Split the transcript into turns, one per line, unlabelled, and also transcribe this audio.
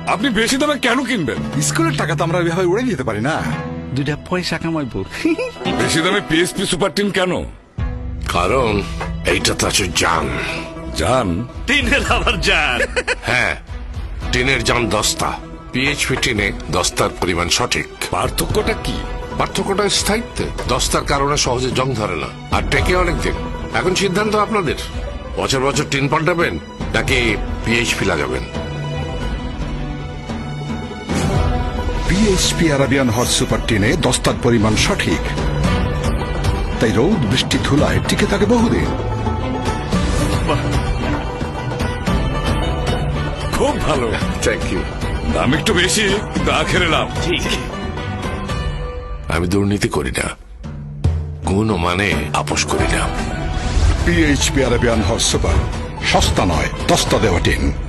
আপনি বেশি দামে কেন কিনবেন?
স্কুলের টাকা তো আমরা এভাবে উড়ে দিতে পারি না।
দুইটা পয়সা কামাইবো।
বেশি দামে পিএসপি সুপার টিন কেন?
কারণ এইটা তো আছে জান।
জান?
টিনের আবার যান।
হ্যাঁ, টিনের জান দস্তা, পিএইচপি টিনে দস্তার পরিমাণ সঠিক।
পার্থক্যটা কি?
পার্থক্যটা স্থায়িত্বে। দস্তার কারণে সহজে জং ধরে না, আর টেকে অনেক দিন। এখন সিদ্ধান্ত আপনাদের, বছর বছর টিন পাল্টাবেন নাকি পিএইচপি লাগাবেন।
পিএইচপি আরাবিয়ান হট সুপার টিনে দস্তার পরিমাণ সঠিক, তাই রোদ বৃষ্টি ধুলায় টিকে থাকে বহুদিন।
খুব ভালো।
Thank you.
দাম একটু বেশি, কিন্তু আখেরে লাভ।
ঠিক।
আমি দুর্নীতি করি না, গুণ ও মানে আপোষ করি না।
পিএইচপি আরাবিয়ান হট সুপার, সস্তা নয় দস্তা দেওয়া টিন।